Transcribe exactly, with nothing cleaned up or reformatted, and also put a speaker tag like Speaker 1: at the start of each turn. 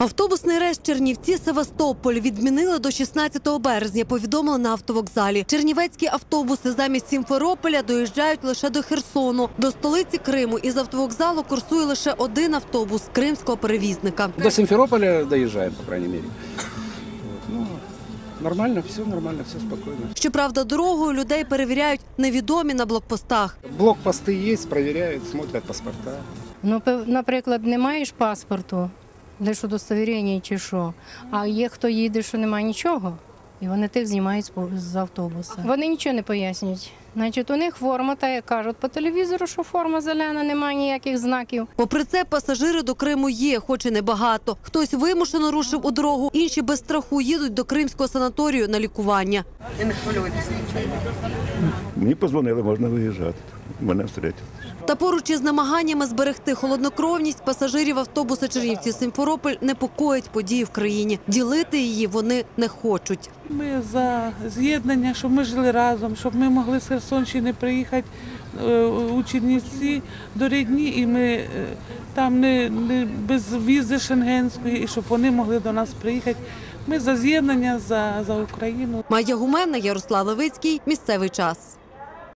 Speaker 1: Автобусний рейс Чернівці-Севастополь відмінили до шістнадцятого березня, повідомили на автовокзалі. Чернівецькі автобуси замість Сімферополя доїжджають лише до Херсону. До столиці Криму із автовокзалу курсує лише один автобус кримського перевізника.
Speaker 2: До Симферополя доезжаем, по крайней мере. Ну, нормально, все нормально, все спокойно.
Speaker 1: Щоправда, дорогою людей перевіряють невідомі на блокпостах.
Speaker 2: Блокпосты есть, проверяют, смотрят паспорта.
Speaker 3: Ну, пев- наприклад, не маєш паспорту, лише удостовірення чи що, а є хто їде, що немає нічого, і вони тих знімають з по- з автобуса. Вони нічого не пояснюють. Значить, у них форма, та як кажуть по телевізору, що форма зелена, немає ніяких знаків.
Speaker 1: Попри це, пасажири до Криму є, хоч і небагато. Хтось вимушено рушив у дорогу, інші без страху їдуть до кримського санаторію на лікування.
Speaker 4: Мені подзвонили, можна виїжджати. Мене встречали.
Speaker 1: Та поруч із намаганнями зберегти холоднокровність пасажирів автобуса Чернівці-Симферополь непокоїть події в країні. Ділити її вони не хочуть.
Speaker 5: Ми за з'єднання, щоб ми жили разом, щоб ми могли з Херсонщини приїхати е, у Чернівці до рідні, і ми е, там не, не без візи шенгенської, і щоб вони могли до нас приїхати. Ми за з'єднання, за, за Україну.
Speaker 1: Майя Гуменна, Ярослав Левицький. Місцевий час.